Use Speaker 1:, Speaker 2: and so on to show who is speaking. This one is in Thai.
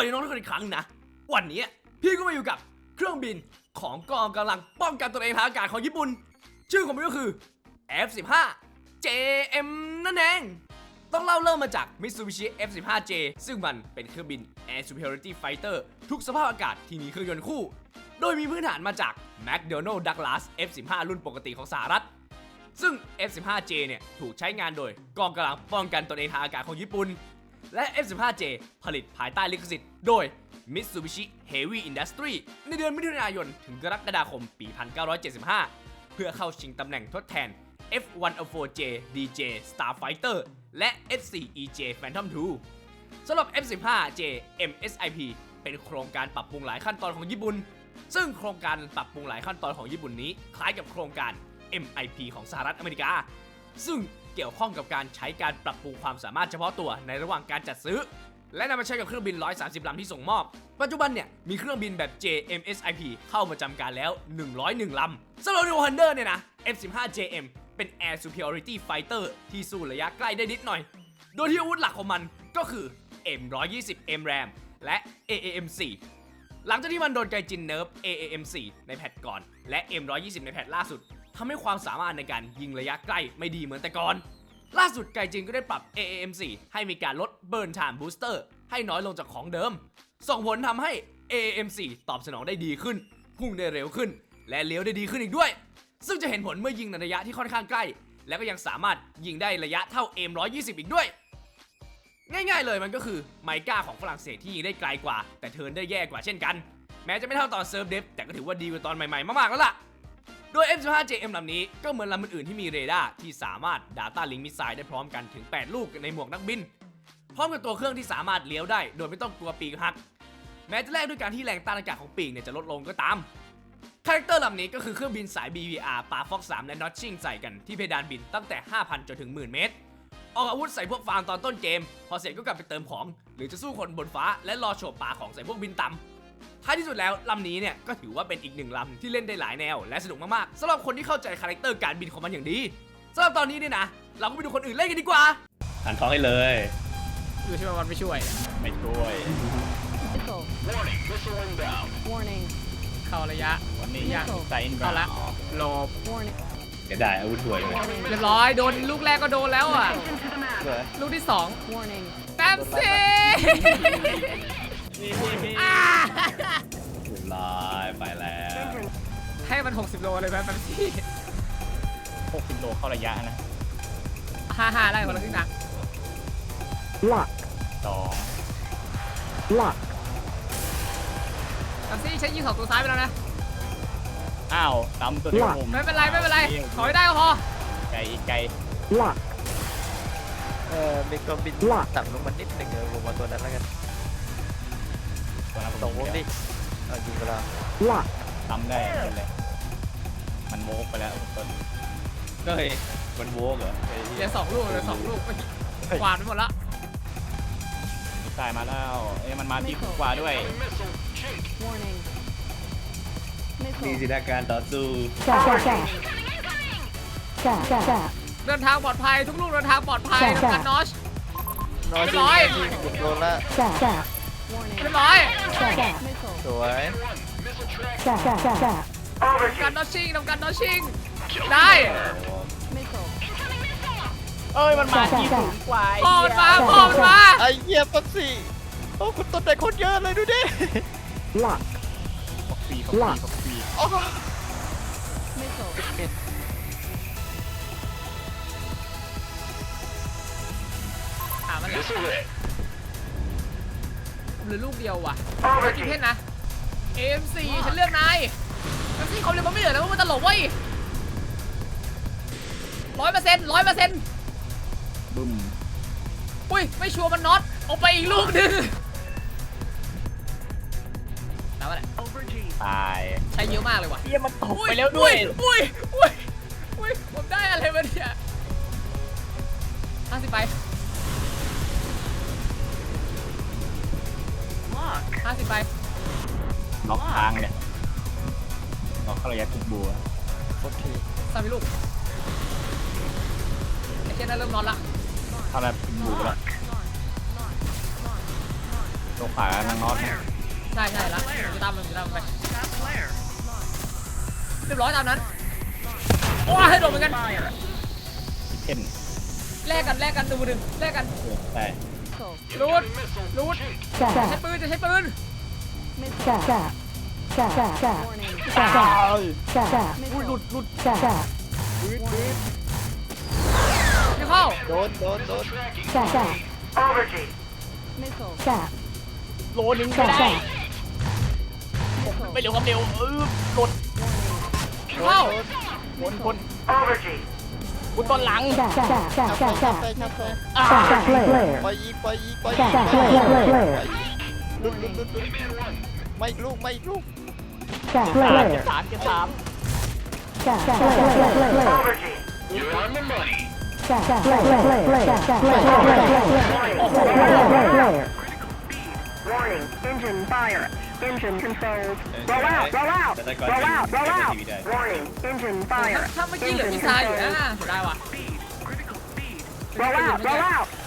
Speaker 1: วัสดีน้องทุกคนอีกครั้งนะวันนี้พี่ก็มาอยู่กับเครื่องบินของกองกำลังป้องกันตัวเองทางอากาศของญี่ปุ่นชื่อของมันก็คือ F-15 JM นั่นเองต้องเล่าเริ่มมาจาก Mitsubishi F-15J ซึ่งมันเป็นเครื่องบิน Air Superiority Fighter ทุกสภาพอากาศที่มีเครื่องยนต์คู่โดยมีพื้นฐานมาจาก McDonnell Douglas F-15 รุ่นปกติของสหรัฐซึ่ง F-15J เนี่ยถูกใช้งานโดยกองกำลังป้องกันตัวเองทางอากาศของญี่ปุ่นและ F-15J ผลิตภายใต้ลิขสิทธิ์โดย Mitsubishi Heavy Industry ในเดือนมิถุนายนถึงกรกฎาคมปี 1975 เพื่อเข้าชิงตำแหน่งทดแทน F-104J DJ Starfighter และ F-4EJ Phantom II สำหรับ F-15J MSIP เป็นโครงการปรับปรุงหลายขั้นตอนของญี่ปุ่นซึ่งโครงการปรับปรุงหลายขั้นตอนของญี่ปุ่นนี้คล้ายกับโครงการ MIP ของสหรัฐอเมริกาซึ่งเกี่ยวข้องกับการใช้การปรับปรุงความสามารถเฉพาะตัวในระหว่างการจัดซื้อและนำมาใช้กับเครื่องบิน130ลำที่ส่งมอบปัจจุบันเนี่ยมีเครื่องบินแบบ JMSIP เข้ามาจำการแล้ว101ลำสำหรับ New Hunter เนี่ยนะ F-15JM เป็น Air Superiority Fighter ที่สู้ระยะใกล้ได้นิดหน่อยโดยที่อาวุธหลักของมันก็คือ M120 MRAM และ AAM4 หลังจากที่มันโดนไกจินเนิร์ฟ AAM4 ในแพทก่อนและ M120 ในแพทล่าสุดทำให้ความสามารถในการยิงระยะใกล้ไม่ดีเหมือนแต่ก่อนล่าสุดไกจินก็ได้ปรับ AAM4 ให้มีการลด Burn Time Booster ให้น้อยลงจากของเดิมส่งผลทำให้ AAM4 ตอบสนองได้ดีขึ้นพุ่งได้เร็วขึ้นและเลี้ยวได้ดีขึ้นอีกด้วยซึ่งจะเห็นผลเมื่อยิงในระยะที่ค่อนข้างใกล้และก็ยังสามารถยิงได้ระยะเท่า M120 อีกด้วยง่ายๆเลยมันก็คือไมก้าของฝรั่งเศสที่ยิงได้ไกลกว่าแต่เทิร์นได้แย่กว่าเช่นกันแม้จะไม่เท่าตอนเซิร์ฟเดฟแต่ก็ถือว่าดีกว่าตอนใหม่ๆมากๆแล้วล่ะโดย F-15JM ลำนี้ก็เหมือนลำอื่นๆที่มีเรดาร์ที่สามารถ Data Link Missile ได้พร้อมกันถึง8ลูกในหมวกนักบินพร้อมกับตัวเครื่องที่สามารถเลี้ยวได้โดยไม่ต้องกลัวปีกหักแม้จะแลกด้วยการที่แรงต้านอากาศของปีกเนี่ยจะลดลงก็ตามคาแรคเตอร์ลำนี้ก็คือเครื่องบินสาย BVR ปา Fox 3 และ Notching ใส่กันที่เพดานบินตั้งแต่ 5,000 จนถึง 10,000 เมตรออกอาวุธใส่พวกฟาร์มตอนต้นเกมพอเสร็จก็กลับไปเติมของหรือจะสู้คนบนฟ้าและรอโฉบปาของใส่พวกบินต่ำท้ายที่สุดแล้วลำนี้เนี่ยก็ถือว่าเป็นอีกหนึ่งลำที่เล่นได้หลายแนวและสนุกมากๆสำหรับคนที่เข้าใจคาแรคเตอร์การบินของมันอย่างดีสำหรับตอนนี้เนี่ยนะเราก็ไปดูคนอื่นเล่นกันดีกว่า
Speaker 2: หันท้องให้เลย
Speaker 3: ดูใช่ไหมมันไม่ช่วย
Speaker 2: ไม่ช่วย
Speaker 4: Warning
Speaker 3: เข้าระยะ
Speaker 2: วันนี้ยากใจอิน
Speaker 3: เข้าละโลบ
Speaker 4: Warning
Speaker 2: จะได้อาวุธถวยเลย
Speaker 3: เรียบร้อยโดนลูกแรกก็โดนแล้วอ่ะลูกที่2
Speaker 4: Warning
Speaker 3: แป๊บซี่
Speaker 2: เรียบร้อยไปแล้ว
Speaker 3: ให้มัน60โลเลยไหมแป๊บซี่
Speaker 2: 60โลเข้าระยะนะ
Speaker 3: 55ได้คนละครึ่งนะ
Speaker 4: Lock
Speaker 2: 2
Speaker 4: Lock
Speaker 3: แป๊บซี่ใช้ยิงของตัวซ้ายไปแล้วนะ
Speaker 2: อ้าวตำตัวเดียวผม
Speaker 3: ไม่เป็นไรขอให้ได้ก็พอ
Speaker 2: ไกลไกล
Speaker 4: Lock
Speaker 5: มีเครื่องบินต่ำลงมานิดหนึ่งลงมาตัวนั้นแล้วกันส่งวงดิยิงไปแล้ว
Speaker 4: Lock
Speaker 2: ตำได้เลยมันโวกไปแล้วต้นก็เฮ้ยมันโวกเหรอ
Speaker 3: เหลือ2 ลูกกวาดไปหมดละ
Speaker 2: ตายมาแล้วมันมาที่กว่าด้วย
Speaker 4: Warning
Speaker 2: มีสิทธิการต่อสู้
Speaker 3: เดินทางปลอดภัยทุกลูกเดินทางปลอดภัยทำการนอชเรียบร้อย
Speaker 5: โดนละ
Speaker 3: เรียบร้อย
Speaker 5: สวย
Speaker 3: ทำการนอชชิ่งได้
Speaker 2: มันมาที่สูงกว่า
Speaker 3: พ่อมันมา
Speaker 5: ไอ้เหี้ยปั๊บสี่โอ้คุณต้นแต่คนเยอะเลยดูดิ
Speaker 4: Lock
Speaker 2: ปี
Speaker 5: โอ้
Speaker 3: มันเหลือลูกเดียวว่ะกี่เพชรนะ AM4 ฉันเลือกนายมันที่เขาเรียกมันไม่เหลือแล้วมันตลกเว้ย100%
Speaker 2: บึ้ม
Speaker 3: อุ้ยไม่ชัวร์มันน็อตเอาไปอีกลูกนึงแล้วอะไร
Speaker 2: ตาย
Speaker 3: ใช้เยอะมากเลยว่ะ
Speaker 2: เยี่ยมันตกไปแล้วด้วย
Speaker 3: อุ้ยผมได้อะไรมาเนี่ย50ไป50ไป
Speaker 2: ล็อกทางเนี่ยล็อกเข้าระยะทุกบัว
Speaker 5: โอเค
Speaker 3: 3ลูกไอ้เจ้าน่าเริ่มนอนละ
Speaker 2: เข้าระยะทุกบัวแล้วตัวขวานังน็อตนะ
Speaker 3: ใช่แล้วผมจะตามมันไปเรียบร้อยตามนั้นโอ้ยให้โดนเหมือนกัน
Speaker 2: เพ่น
Speaker 3: แลกกันดูหนึ่งแลกกัน
Speaker 2: แต่
Speaker 3: รูดจะใช้ปืน
Speaker 4: Warning.
Speaker 3: อุ้ยหลุด ไม่เข้า
Speaker 5: โดน
Speaker 4: Missile.
Speaker 3: โลนึงไม่ได้ ไม่เร็วครับเร็วหลุดเข้าคนคุณตอนหลัง
Speaker 5: ชักไป
Speaker 3: อ่า
Speaker 5: ปล่อยยิงลุดไม่อีกลูก
Speaker 3: เก็บสาม
Speaker 6: Warning, engine fire. Engine controls. Roll out. Warning, engine fire.
Speaker 3: ถ้าเมื่อกี้เหลือพี่ชายอยู่นะได้ว่ะ
Speaker 6: Roll out.